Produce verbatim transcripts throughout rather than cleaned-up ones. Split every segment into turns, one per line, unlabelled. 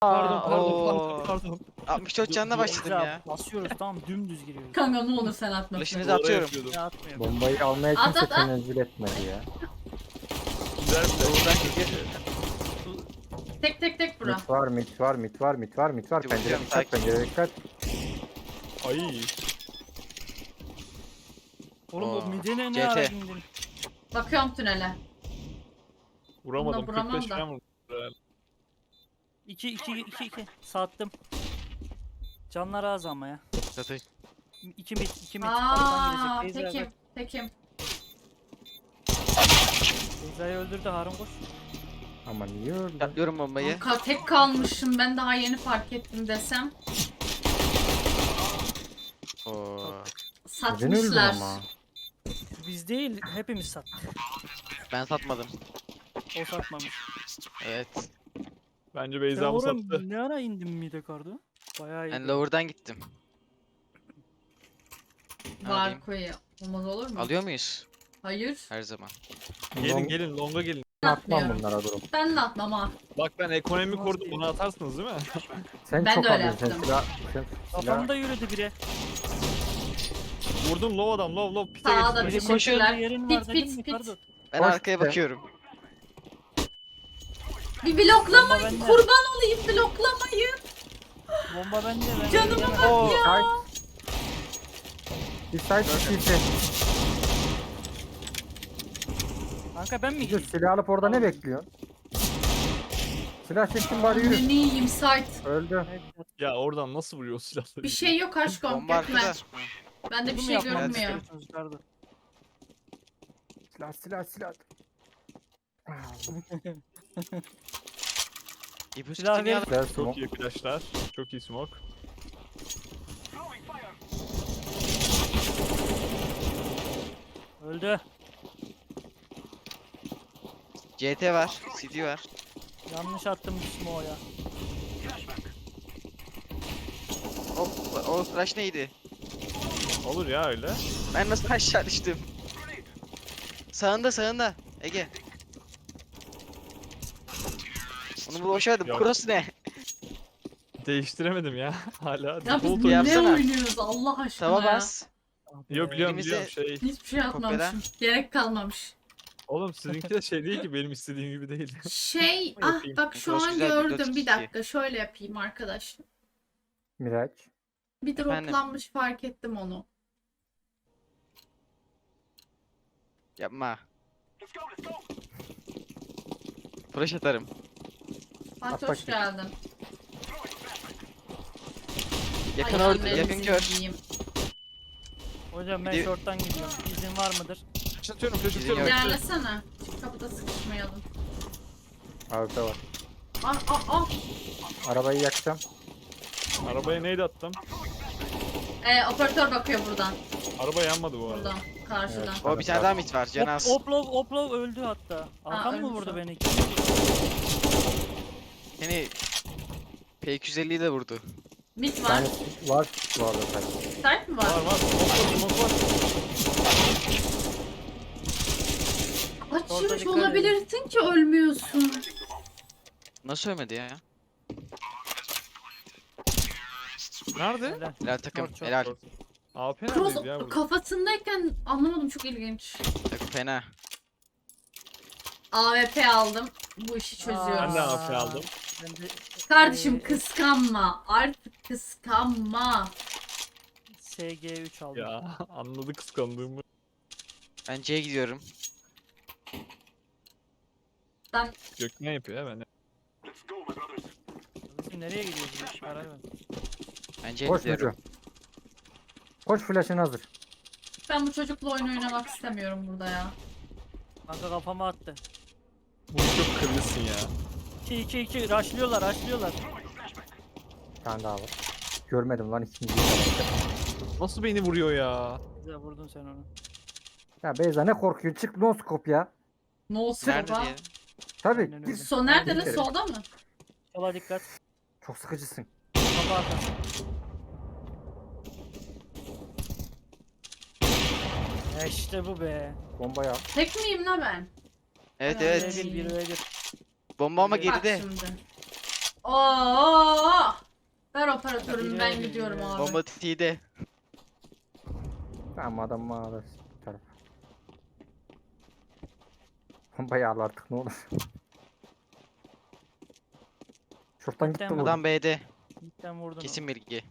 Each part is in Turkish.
Pardon
Aa,
pardon
oo.
pardon pardon.
altmış dört canına başladım ya.
Basıyoruz tamam dümdüz giriyoruz.
Kanka ne olur sen atma.
Flash'ınızı
Doğru
atıyorum.
yapıyordum.
Ya atmıyor.
Bombayı almaya
At,
kimse
at, at.
tenezzül etmedi ya.
Güzel bir
Doğrudan gidiyor.
Tek tek tek bura.
Mit var, mit var, mit var, mit var, mit var.
Dur,
Pencere
bakıyorum,
dikkat,
sakin.
pencere dikkat.
Ay.
Oğlum o
Aa,
midene ne
C T.
ara indin?
Bakıyorum tünele.
Vuramadım.
Bunda vuramam
kırk beş
da.
falan vurdum.
iki iki iki iki sattım. Canlar az ama ya.
Zaten
iki mid iki mid alttan
Aaa
girecek. Beyza
tekim tekim.
Beyza'yı öldürdü Harun koş.
Ama niye öldü?
atlıyorum bombayı.
Kanka tek kalmışım ben daha yeni fark ettim desem.
Oo.
Neden öldün
Satmışlar.
ama?
Biz değil hepimiz sattık.
Ben satmadım.
O satmamış.
Evet.
Bence
Sen
Beyza mı
oraya
sattı?
ne ara indin mide kardı? Bayağı iyi.
Ben lower'dan gittim.
Var
Alayım.
koyu. Olmaz olur mu?
Alıyor muyuz?
Hayır.
Her zaman.
Gelin
Long-
gelin longa gelin.
Atmam
Atmıyorum.
bunlara durum.
Ben de atmam ha.
Bak ben ekonomi
Olmaz
kurdum
değil.
bunu atarsınız değil mi?
Sen
Ben
çok
de öyle
alıyorsun. Sen
yaptım.
silah, sen silah.
Kafamda yürüdü biri.
Vurdum low adam low low pite
Sağda
geçti.
bir
Biri
şey.
koşuyor
Teşekkürler.
yerin
Pit,
var
pit,
dedim mi
pit.
Kardo?
Ben
Hoş
arkaya
be.
bakıyorum.
Bir bloklamayın.
Bomba bende.
Kurban olayım bloklamayın.
Bomba bende ben.
Canıma
gidemem.
bak
Oo.
ya.
Side. Bir side, bir side.
Kanka ben mi
Bir de
gideyim?
silah alıp orada ne bekliyorsun? Silah çektim bari yürü.
Ne yiyeyim site.
Öldü.
Ya oradan nasıl vuruyor o silahları?
Bir şey yok aşkım.
Bomba
Gitme.
arkada.
Bende bir
Bunu
şey
yapmak
görünmüyor.
istiyorsunuz Kardo.
Silah, silah, silah.
İpucu
Silah
tutun ya.
ver.
Silah
Çok
smoke.
iyi flashlar. Çok iyi smoke.
Öldü.
C T var. C D var.
Yanlış attım smoke'a.
O, o flash neydi?
Olur ya öyle.
Ben nasıl aşağı düştüm? Sağında sağında. Ege. Onu boşverdim.
Yok.
Cross ne?
Değiştiremedim ya. Hala
Ya biz
default
ne
oyun.
yapsana.
oynuyoruz Allah aşkına
Tava
ya.
bas.
Yok biliyorum
Elimize-
biliyorum şey.
Hiçbir şey atmamışım. Gerek kalmamış.
Oğlum sizinki de şey değil ki benim istediğim gibi değil.
Şey ah
Yapayım.
bak şu
Cross
an
güzel bir dört
gördüm. Bir
iki.
dakika şöyle yapayım arkadaşlar.
Miraç.
Bir
Efendim?
droplanmış fark ettim onu.
Yapma. Flash atarım.
Fatih
At
hoş
bakayım.
geldin.
Yakın
Ay,
orada,
ellerinizi
yakın kör.
yiyeyim.
Hocam ben
Bir-
short'tan gidiyorum. İzin var mıdır?
Flash atıyorum flash
Bizim
atıyorum.
yok.
İlerlesene. Çık kapıda sıkışmayalım.
Arda var.
Ah ah ah.
Arabayı yakacağım.
Arabaya neydi attım?
Ee, operatör bakıyor buradan.
Araba yanmadı bu arada.
Buradan. Karşıdan.
Evet.
O bir tane daha mid var. Canaz.
Op, oplov oplov öldü hatta. Hakan mı
ölmüş
vurdu
o.
beni?
Seni P iki yüz elliyi de vurdu.
Mid
Bir
var.
tane var bu arada side.
Site mi var?
Var var. Smoke var smoke var.
Açmış
dikkat edin.
olabilirsin ki ölmüyorsun.
Nasıl ölmedi ya?
Nerede?
Helal.
Helal takım.
Çok, çok.
Helal.
A P
Cross
neredeydi ya burada?
kafasındayken anlamadım çok ilginç.
Takım fena.
A W P aldım. Bu işi çözüyoruz.
Ben de A P aldım.
Ben de
Kardeşim
Ee,
kıskanma. Artık kıskanma.
S G üç aldım.
Ya anladı kıskandığımı.
Ben C'ye gidiyorum.
Ben
Gökmen yapıyor ya ben.
Bizim nereye gidiyoruz? ya? Karar ver.
Ben C'ye
Koş
gidiyorum.
Mücü. Koş flash'ın hazır.
ben bu çocukla oyun oynamak istemiyorum burada ya.
Kanka kafama attı.
Bu çok kırılsın ya.
iki iki iki rushlıyorlar rushlıyorlar.
Bir tane daha var. Görmedim lan ikinciyi.
Nasıl beni vuruyor ya?
Güzel vurdun sen onu.
Ya Beyza ne korkuyor? Çık no scope ya.
No
Nerede
scope ha.
diye.
Tabii.
Aynen öyle.
git.
So nerede lan
Gidelim.
solda mı?
Sola dikkat.
Çok sıkıcısın.
Kafa arkası. Ya işte bu be.
Bombayı al.
Tek miyim la ben?
Evet
Helal
evet.
olsun.
Bir bir bir.
Bomba ama
Bak
geride.
Bak şimdi. Oo operatörüm ben gidiyorum abi.
Bomba T'de.
Tamam adam mağarası taraf. Bayağı al artık ne olur. Şuradan gitti
Zaten
bu.
Adam B'de.
Cidden vurdun.
Kesin bilgi.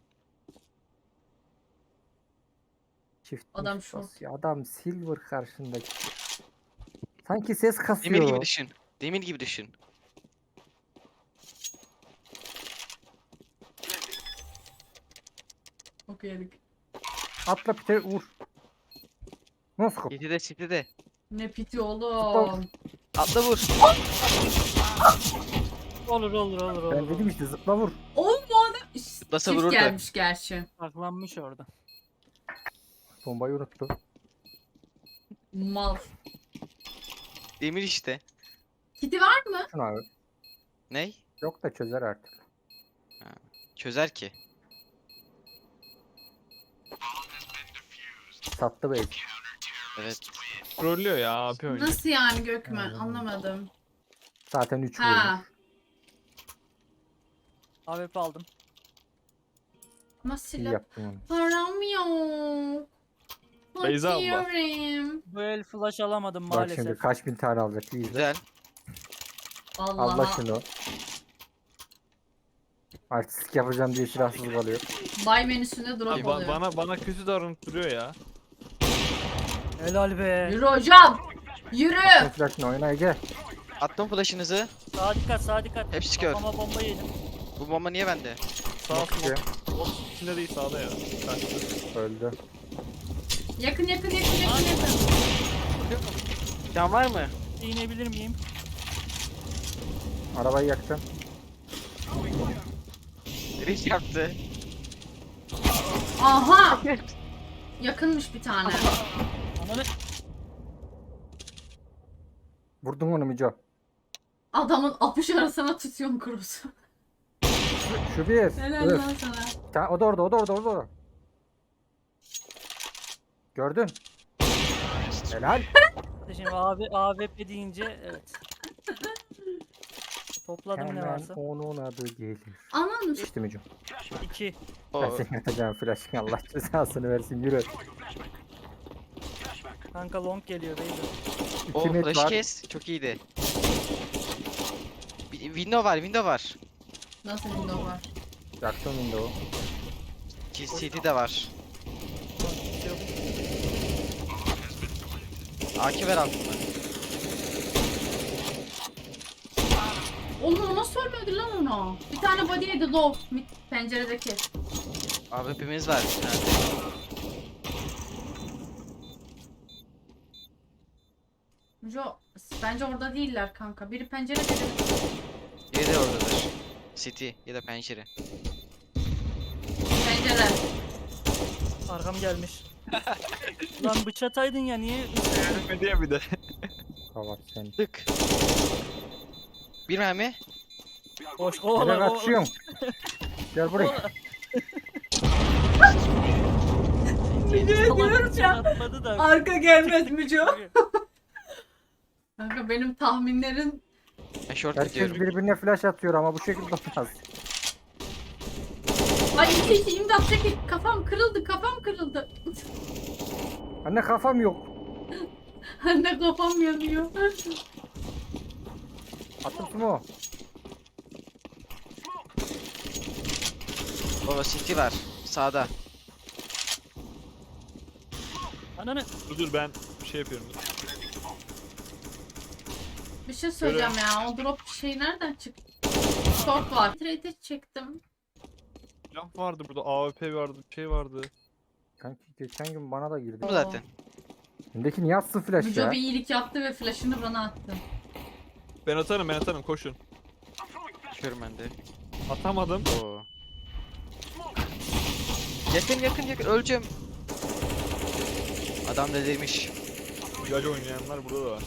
Çift
Adam
miş
şort.
basıyor. Adam silver karşındaki. Sanki ses kasıyor.
Demir gibi düşün. Demir gibi düşün.
Çok yedik.
Atla pite vur. Noskop.
City'de City'de.
Ne piti oğlum.
Atla vur.
Olur olur olur olur.
Ben dedim işte zıpla vur.
Oğlum bu adam
Nasıl
çift
vururdu?
gelmiş gerçi.
Saklanmış orada.
Bombayı unuttu.
Mal.
Demir işte.
Kiti var mı?
Şunu abi.
Ney?
Yok da çözer artık.
Çözer ki.
Sattı bey.
Evet.
Trollüyor ya A P oynuyor.
Nasıl yani Gökmen? Anlamadım.
Zaten üç
Ha.
vurmuş.
A W P aldım.
Ama
İyi
silah
yaptın onu.
param yok.
Beyza abla.
Bakıyorum.
Bu el flash alamadım
Bak
maalesef.
şimdi kaç bin tane alacak. İyi izle.
Güzel.
Allah
Allah.
şunu. Artistik yapacağım diye silahsız kalıyor.
Bay menüsünde drop
Abi ba-
oluyor.
bana bana kötü davranıp duruyor ya.
Helal be.
Yürü hocam. Yürü.
Sen flash'ını oyna Ege.
Attım flash'ınızı.
Sağa dikkat sağa dikkat.
Hepsi kör.
Kafama bomba yedim.
Bu bomba niye bende?
Sağ
Bak Ege.
smoke. O içinde değil sağda ya. Kaçtı.
Öldü.
Yakın yakın yakın yakın yakın.
Can var mı?
İğnebilir miyim?
Arabayı yaktım.
Risk yaptı.
Aha. Yakınmış bir tane.
Ananı.
Vurdun onu Mico.
Adamın apış arasına tutuyorum kurusu.
Şu bir.
Helal
Öf.
lan sana.
Bir tane- O da orada, o da orada, o da orada. Gördün. Helal.
Şimdi abi A W P deyince evet. Topladım ne
Hemen
varsa.
onun adı gelir.
Aman
İşte Mico.
iki.
Ben
O
senin atacağım flash'ını Allah cezasını versin yürü.
Kanka long geliyor beyler.
o
İki met
flash'ı
var.
kes. Çok iyiydi. Bir- Window var, window var.
Nasıl window var?
Yaktım window'u.
C C de var. A K ver altında.
Oğlum o nasıl ölmedi lan ona? Bir tane body yedi low. Mid penceredeki.
A W P'miz var. Nerede?
Jo, bence orada değiller kanka. Biri pencerede biri.
Biri de oradadır. City ya da pencere.
Pencere.
Arkam gelmiş. Lan bıçataydın ya niye?
Ölmedi ya bir de.
Kavat sen.
Tık. Bir mermi.
Boş
Nereye
kovala kovala.
kaçıyorsun? Gel buraya.
Salak bıçak atmadı da.
Arka gelmez mi Jo? Kanka benim tahminlerin
Ben short
Herkes
gidiyorum.
birbirine flash atıyor ama bu şekilde olmaz.
ay iki iki imdat çekil. Kafam kırıldı kafam kırıldı.
Anne kafam yok.
Anne kafam yanıyor.
Attım mu?
Baba City var. Sağda.
Ananı.
Dur dur ben bir şey yapıyorum. Dur.
Bir şey söyleyeceğim ya. O drop şey nereden çıktı? Short var. Trade çektim.
Silah vardı burada. A W P vardı. Bir şey vardı.
Kanki geçen gün bana da girdi.
Bu zaten.
Şimdiki niye atsın flash
Müco
ya?
bir iyilik yaptı ve flash'ını bana attı.
Ben atarım ben atarım koşun.
Körüm ben de.
Atamadım.
Oo. Yakın yakın yakın öleceğim. Adam delirmiş.
Güzel oynayanlar burada da var.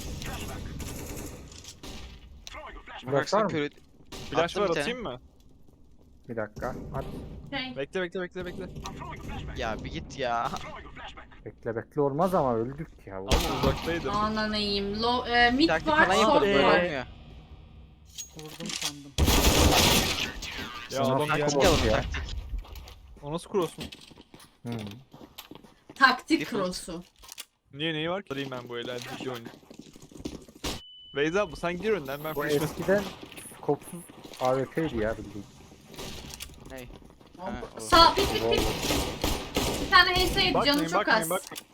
Flash
Baksana
var mı?
körü.
Flash
Attım
var
bir tane.
atayım mı?
Bir dakika. At.
Şey,
Bekle bekle bekle bekle.
Ya bir git ya.
Bekle bekle olmaz ama öldük ya.
Ama uzaktaydım.
ananayım. Low, e, mid
Taktik
var,
falan
short
yapalım
Ee,
böyle
var.
olmuyor.
Vurdum sandım.
Ya
Sana
adam
taktik
geldi.
Taktik alalım
ya.
taktik.
O nasıl cross mu?
Hmm.
Taktik
Default.
cross'u.
Niye neyi var ki? Alayım ben bu el. Hadi iki oyunu. Beyza bu sen gir önden ben
Bu
flash
eskiden kopsuz A W P'ydi ya bildiğin.
Ney? Ha, o.
Sağ bit bit bit. Bir tane H S yedi canım
Bakmayın
çok
bakmayın
az.
bakmayın.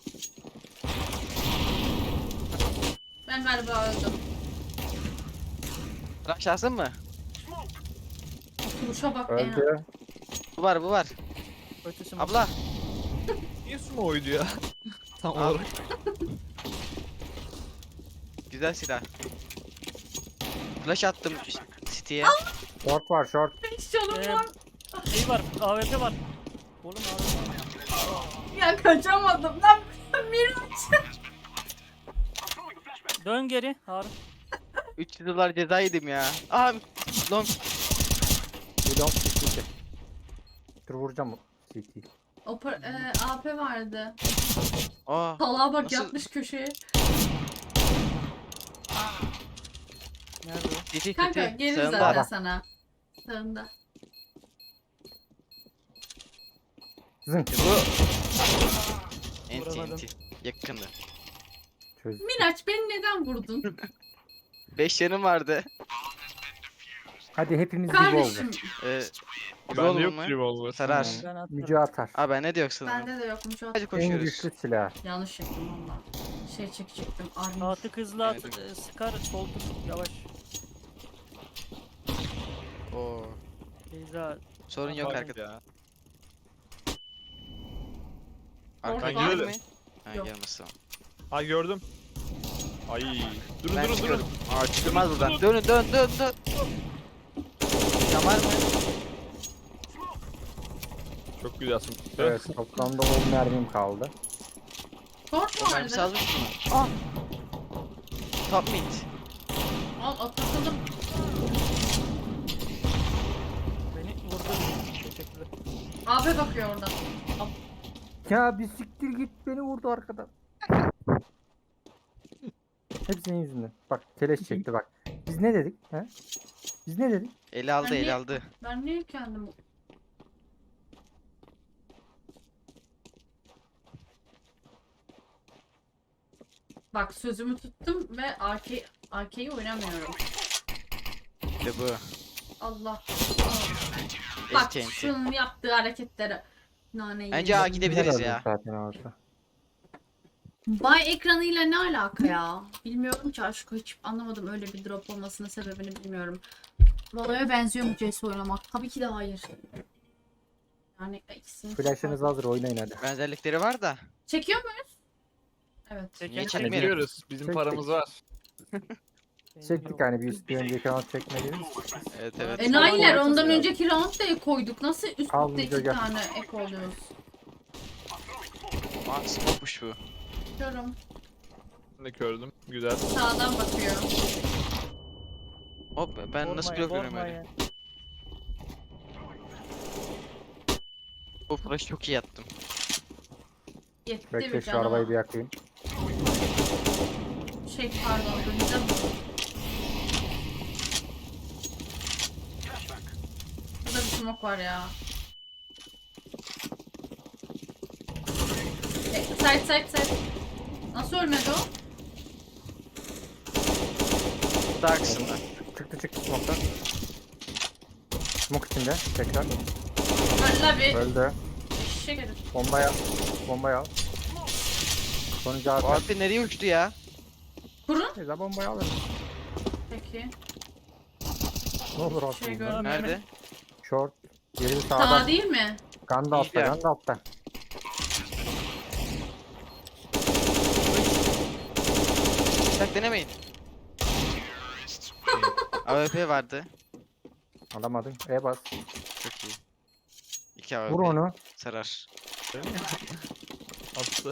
Ben galiba öldüm.
Flash lazım mı?
Kuruşa bak ya.
Öldü.
Bu var bu var.
Ötesi mi?
Abla.
Niye sumo oydu ya? Tam
Al.
olarak.
Güzel silah. Flash attım City'ye.
Short var short.
Hiç canım
Ee,
var.
Şey var. A W P var. Oğlum A W P var.
Ya kaçamadım lan. Miraç.
Dön geri Harun.
üç yüz dolar ceza yedim ya. Aha long.
Bir long C T. Dur vuracağım C T.
Oper, e, A P vardı.
Aa.
Salağa bak
Nasıl-
yatmış köşeye.
Nerede o?
City
Kanka
City.
gelir
Sağında.
zaten
Ara.
sana. Sağında.
Zınk.
Bu. Enti
Vuramadım.
enti. Yakındı.
Çöz.
Miraç beni neden vurdun?
beş yanım vardı.
Hadi hepimiz gibi oldu.
Kardeşim.
Ee,
Bende
revolver
yok
mu?
revolver.
Sarar.
Hmm.
Ben atlarım.
Müce atar.
Aa ben ne diyorsun?
Bende de yokmuş o.
Hadi
En
koşuyoruz.
güçlü silah.
Yanlış yaptım valla. Şey çekecektim. Armor.
Atı hızlı at.
Evet.
e, Sıkar. Soldur. Yavaş.
Oo.
Beyza.
Sorun yok
Pardon
arkada.
ya.
Arka
Ben
gelir
girerim.
mi? Ha
Yok.
gelmesin.
Ha gördüm. Ay. Durun
Ben
durun
çıkıyorum.
durun.
Aa çıkılmaz buradan. Dönün dön dön dön. Yaman mı?
Çok güzelsin.
Evet toplamda on mermim kaldı.
Short
O mermisi
vardı.
almış mı? Aa. Top mid.
Al atlatalım.
Beni vurdu. Teşekkürler.
Abi bakıyor oradan.
Ya bir siktir git beni vurdu arkadan. Hep senin yüzünden. Bak keleş çekti bak. Biz ne dedik? He? Biz ne dedik?
Eli aldı
Ben
eli
niye-
aldı.
Ben niye kendim... Bak sözümü tuttum ve arke arkeyi oynamıyorum.
İşte bu.
Allah. Bak
Enti enti.
şunun yaptığı hareketlere. Naneyi.
Bence A gidebiliriz
Güzel
ya.
öldük Zaten orada.
Bay ekranıyla ne alaka ya? Bilmiyorum ki aşkı hiç anlamadım öyle bir drop olmasının sebebini bilmiyorum. Valo'ya benziyor mu C S oynamak? Tabii ki de hayır. Yani ikisini...
Flash'ınız hazır oynayın hadi.
Benzerlikleri var da.
Çekiyor muyuz? Evet.
Çek,
Niye
çek,
çekmeyelim?
Çekiyoruz. Bizim
Çektik.
paramız var.
Benim
Çektik
yok.
hani bir üst bir önceki round çekmediniz.
Evet evet.
Enayiler
Tamam,
ondan
tamam.
önceki round da ek koyduk. Nasıl üst
Al
üste
video
iki
gel.
tane ek oluyoruz?
Aa smoke'muş bu.
Görüyorum.
Ben de gördüm. Güzel.
Sağdan bakıyor.
Hop ben nasıl
Vurmayın,
blok öyle.
vurmayın.
Bu flash çok iyi attım.
Yetti
Bekle
bir
şu arabayı
canıma.
bir yakayım.
Şey pardon döneceğim. Burada bir smoke var ya. E, side side side. Nasıl ölmedi o?
Daha kısımda.
Çıktı çıktı smoke'tan. Smoke içinde tekrar.
Valla bir
Öldü.
eşek herif.
Bombayı al. Bombayı al. Sonucu
O
artık.
abi nereye uçtu ya?
Kurun.
Neyse bombayı alırız.
Peki.
Ne olur
Şey
aslında.
görmedim.
Nerede?
Short. Geri
Sağ
sağda.
değil mi?
Ganda altta.
İyi ya.
Ganda altta.
Bıçak denemeyin. A W P vardı.
Alamadın. E bas.
Çok iyi. İki A W P.
Vur onu.
Sarar.
Attı.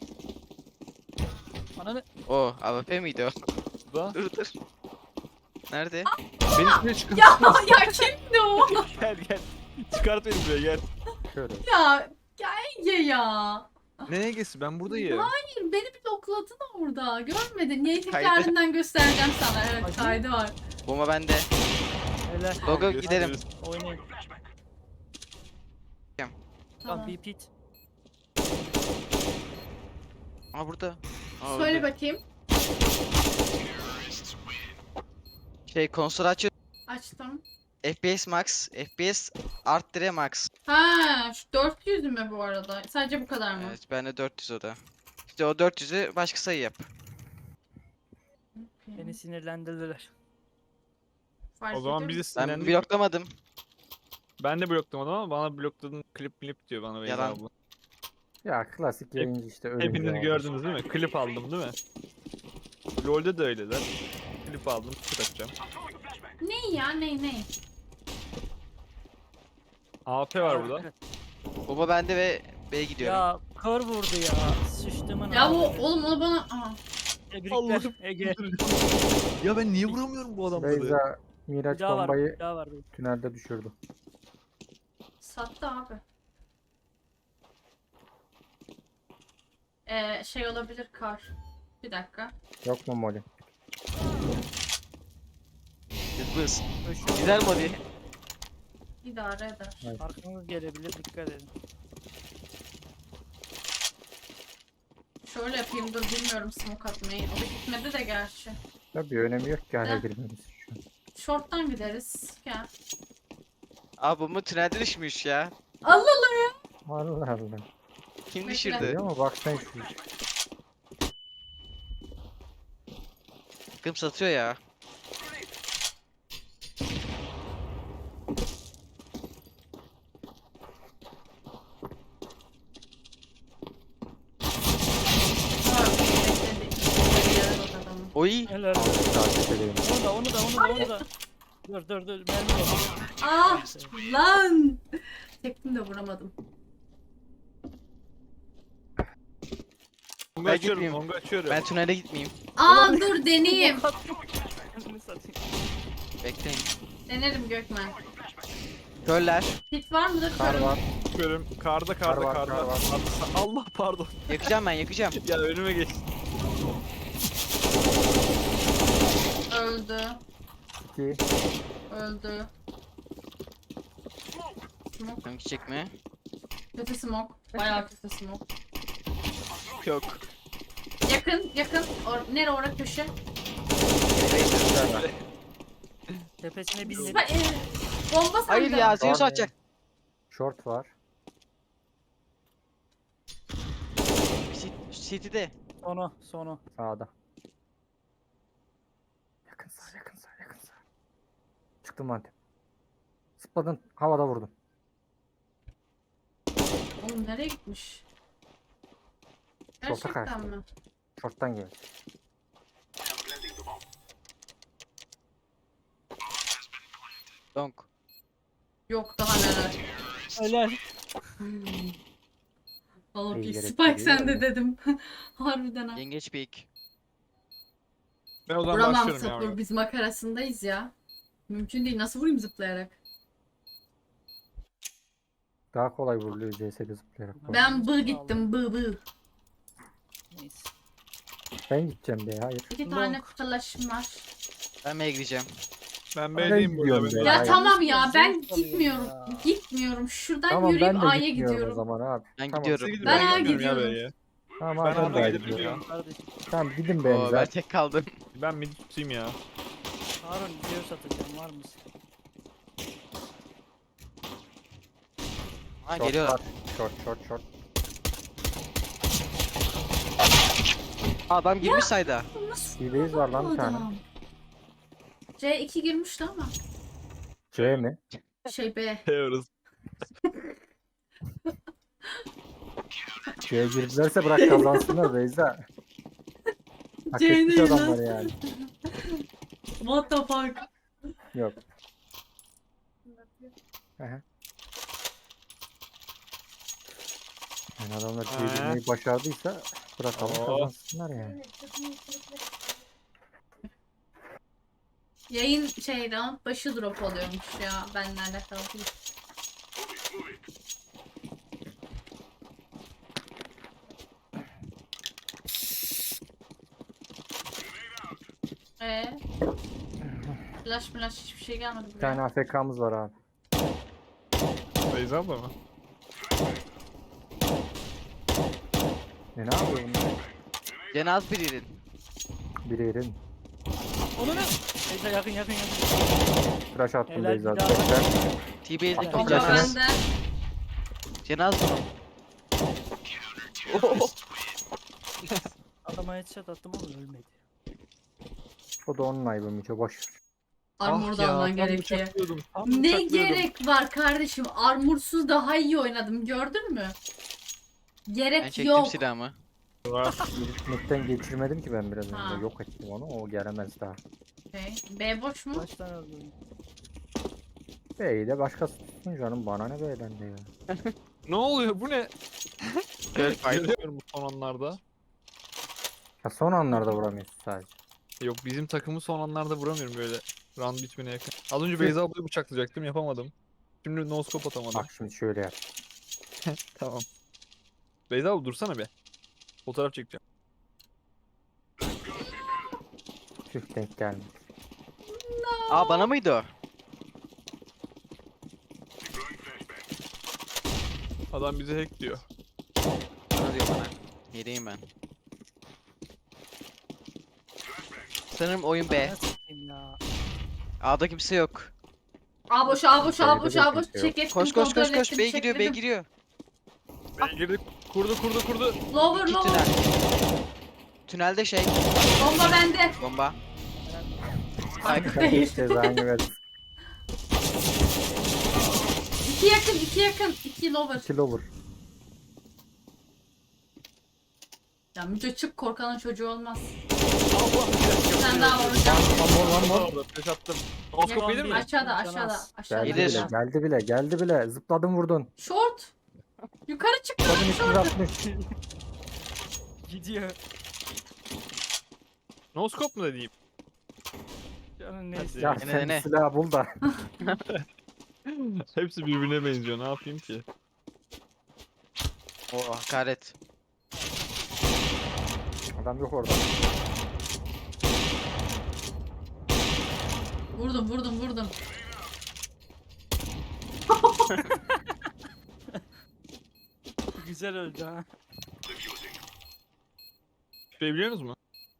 Ananı.
O A W P miydi o?
Da.
Dur dur. Nerede?
Beni şuraya çıkart.
Ya ya kimdi o?
Gel gel. Çıkart beni buraya gel.
Şöyle.
Ya ya Ege ya.
Ne Ege'si ben buradayım.
Hayır beni bir blokladın orada. Görmedin. Niye
Kaydı.
tekrarından göstereceğim sana. Evet
Hadi.
kaydı var.
Bomba bende.
Helal.
Logo
Görüşürüz.
gidelim.
Oynayın. Tamam.
Tamam.
Bir pit.
Aa burada. Aa,
Söyle
öldü.
bakayım.
Şey konsol açıyor.
Açtım.
F P S max. F P S arttire max.
Ha, şu dört yüz mü bu arada? Sadece bu kadar mı?
Evet bende dört yüz o da. İşte o dört yüzü başka sayı yap.
Beni sinirlendirdiler.
Fark
O zaman
ediyor
bizi
Ben
sinirlendik.
bloklamadım.
Ben de bloklamadım ama bana blokladın klip klip diyor bana Beyza
Yalan.
abla.
Ya klasik yayıncı işte öyle.
Hepiniz gördünüz değil mi? Klip aldım değil mi? LoL'de de öyleler. Klip aldım, klip atacağım.
Ne ya ne ne?
A P var burada.
Baba bende ve B'ye gidiyorum.
Ya kör vurdu ya. Sıçtımın
Ya bu
ağzına.
oğlum onu bana... Aa,
Tebrikler
Allah'ım.
Ege.
Ya ben niye vuramıyorum bu adamları?
Beyza
Bir
Miraç
daha var.
bombayı
Bir daha var.
tünelde düşürdü.
sattı abi. Ee, şey olabilir kar. Bir dakika.
Yok mu Molly?
Yıldız.
Koşuyor.
Güzel moli.
İdare eder.
Arkanız gelebilir, dikkat edin.
Şöyle yapayım dur bilmiyorum smoke atmayı. O da gitmedi de gerçi.
Ya bir önemi yok ki hala
Heh.
girmemiz şu an.
Short'tan gideriz. Gel.
Aa bu mu tünelde düşmüş ya.
Allah Allah ya.
Allah Allah.
Kim
Bekle.
düşürdü?
Görüyor musun? Bak sen şu.
Takım satıyor ya.
Aa, bekledi. Bir yere bak adamın.
Oy.
Helal.
Takip edeyim.
Onu da, onu da, onu da, onu da. Dur, dur, dur. Mermi yok.
Ah lan. Çektim de vuramadım.
Mongo
Ben
açıyorum,
gitmeyeyim.
Mongo açıyorum.
Ben tünele gitmeyeyim.
Aa dur deneyeyim.
Kendini satayım.
Bekleyin.
Denerim Gökmen.
Körler.
Hit var mıdır?
Kar
Körüm.
var.
Açıyorum. Karda
Kar
karda
var,
karda.
kar var.
Allah pardon.
Yakacağım ben yakacağım.
Ya önüme geç.
Öldü.
İki.
Öldü. Smoke.
Tam gidecek mi?
Kötü smoke. Bayağı kötü smoke.
Yok.
Yakın yakın. Or nere orada köşe?
Tepesine bindim.
Ba- e, bomba sende.
Hayır ya Zeus
Var mı?
atacak.
Short var.
Cit- City'de.
Sonu, sonu.
Sağda. Yakın sağ, yakın sağ, yakın sağ. Çıktım Antep. Zıpladın, havada vurdun.
Oğlum nereye gitmiş?
Şorta
Gerçekten
kaçtı.
mi?
Short'tan geldi.
Donk.
Yok daha neler.
Helal.
Valla bir
İyi gerek
Spike
değil
sende
yani.
dedim. Harbiden ha.
Yengeç peak.
Ben o zaman
Vuramam
başlıyorum
sapır.
ya.
Biz makarasındayız ya. Mümkün değil. Nasıl vurayım zıplayarak?
Daha kolay vuruluyor C S'de zıplayarak. bu arada.
Ben bı gittim bı bı.
Neyse.
Ben gideceğim be, hayır.
İki tane flaşım var.
Ben M'ye gideceğim.
Ben
Ben
B'deyim burada.
gidiyorum
ben.
be.
Ya
Hayır.
tamam ya
Zevk
ben
alıyor
gitmiyorum.
ya.
Gitmiyorum. Şuradan
Tamam
yürüyüp
ben de
A'ya
gitmiyorum o
gidiyorum.
zaman abi.
Ben
Tamam.
gidiyorum.
Siz gidin,
Ben A
gitmiyorum ya
gidiyorum.
B'ye.
Tamam
Ben
abi ben
A'ya
de
gidebiliyorum.
gidiyorum.
Kardeşim.
Tamam gidin
Oo,
be
ben
ben.
tek kaldım.
Ben mid tutayım ya.
Harun video satacağım, var mısın?
Ha
Short
geliyorlar.
var. Short short short.
Aa, adam girmiş sayda.
Nasıl
İyi base var lan
bu
bir tane.
adam? C iki girmişti ama.
C mi?
Şey B.
Teyoruz.
C'ye girdilerse bırak kazansınlar Beyza. Hak
C
etmiş
değil lan.
adamlar yani.
What the fuck?
Yok. Aha. Yani adamlar
Ha.
C'ye girmeyi başardıysa bırakalım
Oo.
kazansınlar yani.
Yayın şey round başı drop oluyormuş ya. Benle alakalı değil. Eee? Flash flash hiçbir şey gelmedi
Bir
buraya.
tane A F K'mız var abi.
Beyza abla mı?
Ne ne yapıyor bunlar?
Cenaz birinin.
Biri yerin.
Onu ne? Beyza yakın yakın yakın.
Flash attım
Helal,
Beyza.
bir daha.
Bekle.
T-Base'lik
Bomba
Bomba
bir cenaz.
bende.
Cenaz mı?
Adama headshot attım ama ölmedi.
O da onun ayıbı Miço boş ver.
Armor da alman gerekiyor.
bıçaklıyordum, tam
Ne
bıçaklıyordum.
gerek var kardeşim? Armursuz daha iyi oynadım. Gördün mü?
Ben
Gerek
çektim
yok.
silahımı.
Var.
Mid'den geçirmedim ki ben biraz
Ha.
önce. Yok ettim onu. O gelemez daha.
Okay. B boş mu?
Kaç tane öldürdün?
Bey de başkası tutsun canım. Bana ne B'den de ya.
Ne oluyor bu ne?
Girl fight.
Görüyorum bu son anlarda.
Ha, son anlarda vuramıyorsun sadece.
Yok bizim takımı son anlarda vuramıyorum böyle. Round bitmene yakın. Az önce Beyza ablayı bıçaklayacaktım yapamadım. Şimdi no scope atamadım.
Bak şimdi şöyle yap.
Tamam. Beyza abla dursana be. Fotoğraf çekeceğim.
Tüh denk gelmiş.
Aa bana mıydı o?
Adam bize hack diyor.
Bana diyor bana. Yedeyim ben. Sanırım oyun B.
Ne satayım ya.
A'da kimse yok.
A boş, A boş, A boş,
Sayıda
A boş.
kimse yok.
Çek ettim,
Koş koş
kontrol
koş koş.
ettim,
B giriyor B
çekledim.
giriyor.
Bey girdi. Kurdu kurdu kurdu.
Lower,
İki
lower.
tünel. Tünelde şey.
Bomba bende.
Bomba.
Değil.
Cezanı versin.
İki yakın, iki yakın. İki lower.
İki lover.
Ya Müce çık, korkanın çocuğu olmaz.
Allah
Bir tane daha var hocam.
One more one more.
Allah flash attım. No scope gelir mi?
Aşağıda, aşağıda, aşağıda.
Geldi
Gelir.
bile, geldi bile, geldi bile. Zıpladın vurdun.
Short. Yukarı çıktı.
Kadın üç yüz altmış.
Gidiyor.
No scope mu dediğim?
Canım neyse.
Ya
Dene,
sen
dene.
silah bul da.
Hepsi birbirine benziyor. Ne yapayım ki?
O hakaret.
Adam yok orada.
Vurdum, vurdum, vurdum.
Güzel öldü ha.
Şey biliyor musunuz mu?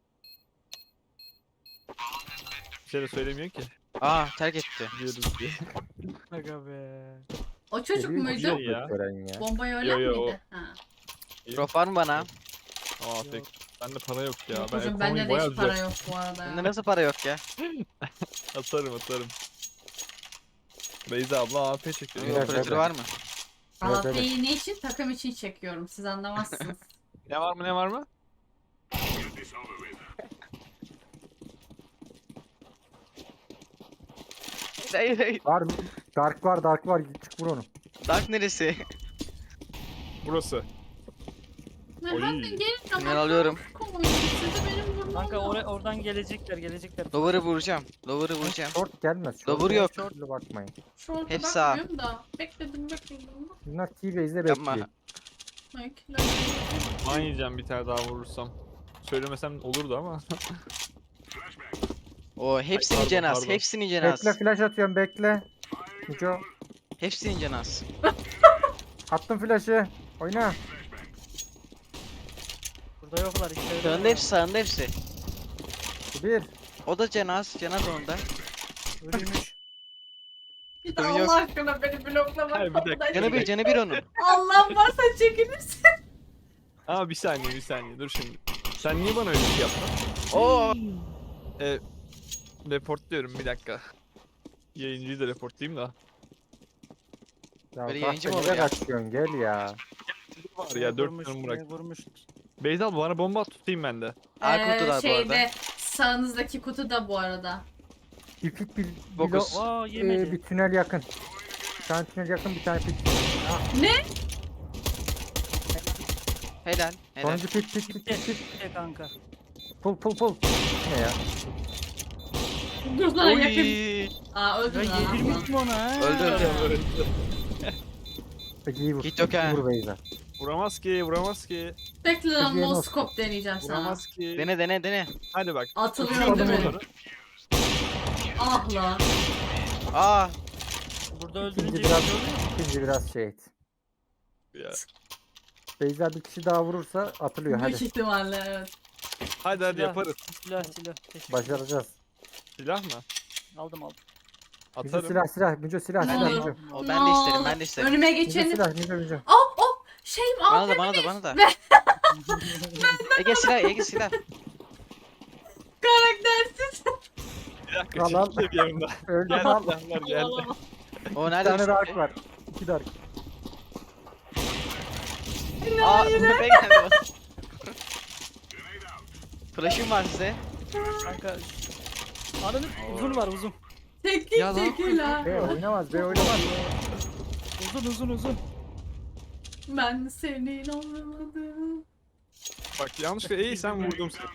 Bir şey de söylemiyor ki.
Aa terk etti.
Biliyoruz diye.
Aga be.
O çocuk
Geliyor,
muydu?
geliyor. Ya.
Gören ya.
Bombayı öyle
Yo, yo, o.
miydi? Ha.
Drop var mı bana?
Aa
Yok.
tek. Bende para yok ya.
Yok
Ben
hocam,
ekonomiyi
bende de
bayağı
hiç para
düzelt-
yok bu arada
Bende
ya.
nasıl para yok ya?
Atarım atarım. Beyza abla A P çekiyor.
Evet,
Operatörü
evet.
var mı?
Evet, evet.
Afiyeyi ne için? Takım için çekiyorum. Siz anlamazsınız.
Ne var mı ne var mı?
Hayır hayır.
Var mı? Dark var, Dark var. Çık vur onu.
Dark neresi?
Burası.
Hadi gelin ama.
Tünel alıyorum.
Koyun, sizi benim vurmam
Kanka
lazım.
or oradan gelecekler gelecekler.
Lower'ı vuracağım. Lower'ı vuracağım.
Short gelmez.
Lover
Short
yok.
Short'la bakmayın.
Şorta
Hep sağ.
bakmıyorum da. Bekledim, bekledim.
Bunlar T-Base'de
Yapma.
bekliyor.
Bekledim.
Man yiyeceğim bir tane daha vurursam. Söylemesem olurdu ama.
O hepsini
pardon,
cenaz.
pardon.
Hepsini cenaz.
Bekle flash atıyorum bekle. Mico.
Hepsini cenaz.
Attım flash'ı. Oyna.
Burada yoklar işte.
Sağında hepsi sağında hepsi.
Bir.
O da cenaz. Cenaz onda.
Ölüymüş.
Bir de
Sorun yok.
Allah aşkına beni bloklama.
Hayır, bir dakika.
Canı bir canı bir onun.
Allah'ım varsa çekilirsin.
Aa bir saniye bir saniye dur şimdi. Sen niye bana öyle bir şey yaptın?
Oo.
E, reportluyorum bir dakika. Yayıncıyı da reportlayayım da.
Ya
Böyle
bak
yayıncı mı
da
olur
nereye
ya?
kaçıyorsun gel ya.
Var ya dört
Vurmuş,
canım
beni
bırak.
Vurmuş.
Beyza abla bana bomba at tutayım ben de.
A
Ee,
kutular bu arada.
şeyde sağınızdaki kutu da bu arada.
Bir pit bir, bir,
Fokus.
lo-
Aa
e,
yemedi.
bir tünel yakın. Bir tane tünel yakın bir tane pit.
Helal. Helal.
Sonuncu pit pit pit
Bitti.
pit pit.
Bitti kanka.
Pull pull pull. Ne ya?
Dur lan yakın.
Oy.
Aa
Ya
öldüm lan.
yedirmiş mi ona ha?
Öldü öldü.
Peki iyi vur.
Git yok ha.
Vur Beyza.
Vuramaz ki vuramaz ki.
Bekle lan,
Türkiye'ye
no
nasıl-
scope deneyeceğim sana.
Vuramaz ki.
Dene dene dene.
Hadi bak.
Atılıyorum değil mi?
Bunları.
Ah lan.
Aa.
Burada
İkinci
öldürünce
biraz,
bir şey oluyor mu?
ikinci biraz şey et.
Ya.
Beyza bir kişi daha vurursa atılıyor
Büyük
hadi.
ihtimalle evet.
Hadi hadi
Silah,
yaparız.
Silah silah. Teşekkür
Başaracağız.
Silah mı?
Aldım aldım.
Müco
Atarım.
silah silah. Müco silah
Ne
silah.
olur.
Müco.
O ben de isterim, ben de
olur.
isterim.
Önüme
Müco
geçeni.
silah. Müco Müco.
Oh oh. Şeyim
Bana
al.
da, bana da, bana da.
Ver.
Ege silah, Ege silah.
Karaktersiz.
Bir dakika
Al, al.
çekil bir yanımda.
Öldü
Geldi
lan.
silahlar geldi.
O
Bir
nerede?
tane
düştü?
dark var. İki dark.
Aa, Mehmet geldi bana. Flash'ım var size.
Kanka. Ananı uzun var uzun.
Teknik
Ya lan.
çekil ha.
B oynamaz. B oynamaz.
Uzun uzun uzun.
Ben senin olmadım.
Bak yanlışlıkla iyi sen vurdum seni.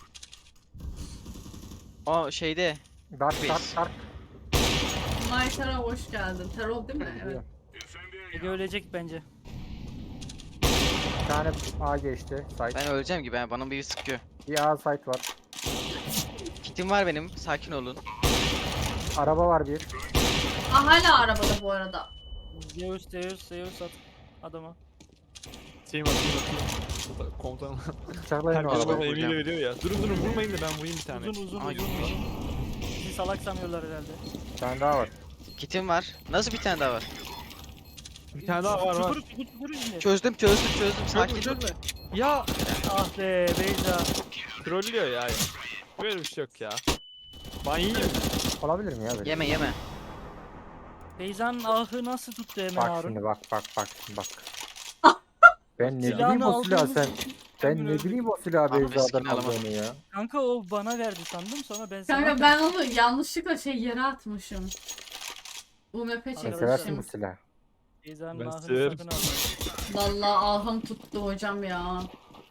O şeyde.
Dark dark dark.
Maytara hoş geldin. Terol değil mi? Evet.
Ege ölecek bence.
Bir tane A geçti. Site.
Ben öleceğim gibi, yani bana biri sıkıyor.
Bir A site var.
Kitim var benim, sakin olun.
Araba var bir.
Aa, hala arabada bu arada.
Zeus Zeus Zeus at adama.
Şeyim atayım atayım. Komutanım.
Bıçaklayın o
Herkes bana
arabayı.
emir
vuracağım.
veriyor ya. Durun durun vurmayın da ben vurayım bir tane.
Uzun uzun
Aa,
uzun
gitmiş.
uzun. Bizi salak sanıyorlar herhalde.
Bir tane daha var.
Kitim var. Nasıl bir tane daha var?
Bir tane daha var var.
Çukur çukur çukur izle.
Çözdüm, çözdüm, çözdüm.
Çözme
Sakin.
çözme. Ya
Ah be Beyza.
trollüyor ya. Böyle bir şey yok ya. Ben yiyeyim mi?
Olabilir mi ya böyle?
Yeme, yeme.
Beyza'nın ahı nasıl tuttu hemen
Bak
Harun?
şimdi bak bak bak şimdi bak. Ben ne
Silahını
bileyim o silahı
aldığımız
sen.
için
Ben
emin
ne
öldük.
bileyim o silahı
Abi,
Beyza'dan
riskini alamadım.
aldığını ya.
Kanka o bana verdi sandım sonra ben sana...
Kanka ben onu yanlışlıkla şey yere atmışım. U M P
Sen
Arkadaşlar.
seversin bu
çekmişim.
silahı.
Beyza'nın
Ben
ahını
severim.
sakın alma.
Vallahi ahım tuttu hocam ya.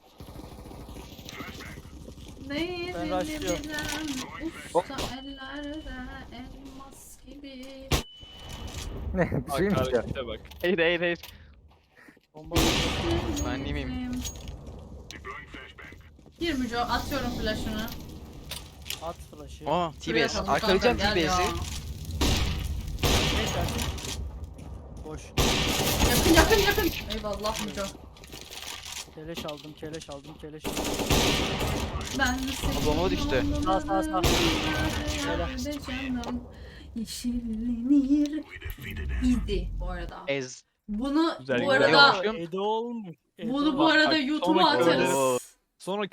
Neydi
Ben rushlıyorum.
bilen usta ellerde elmas gibi.
Ne bir
Bak
şeymiş ya.
harekete bak.
Hayır, hayır, hayır.
Bomba
Ben değil miyim?
Gir Müco, atıyorum flash'ını.
at flash'ı.
Oo,
Şuraya
T-Base.
kalın
Arkalayacağım
kanka, gel ya.
T-Base'i.
Neyse artık. Boş.
Yakın yakın yakın. Eyvallah Müco.
Keleş aldım keleş aldım keleş aldım.
Ben senin
bomba düştü.
Sağ, sağ, sağ.
yollarda canım yeşillenir idi bu arada.
Ez.
Bunu
Güzel,
bu
güzel.
arada
Yok.
Edo olmuş. Edo.
bunu bu
Bak,
arada
bak,
YouTube'a
sonraki
atarız.
Oo.
Sonra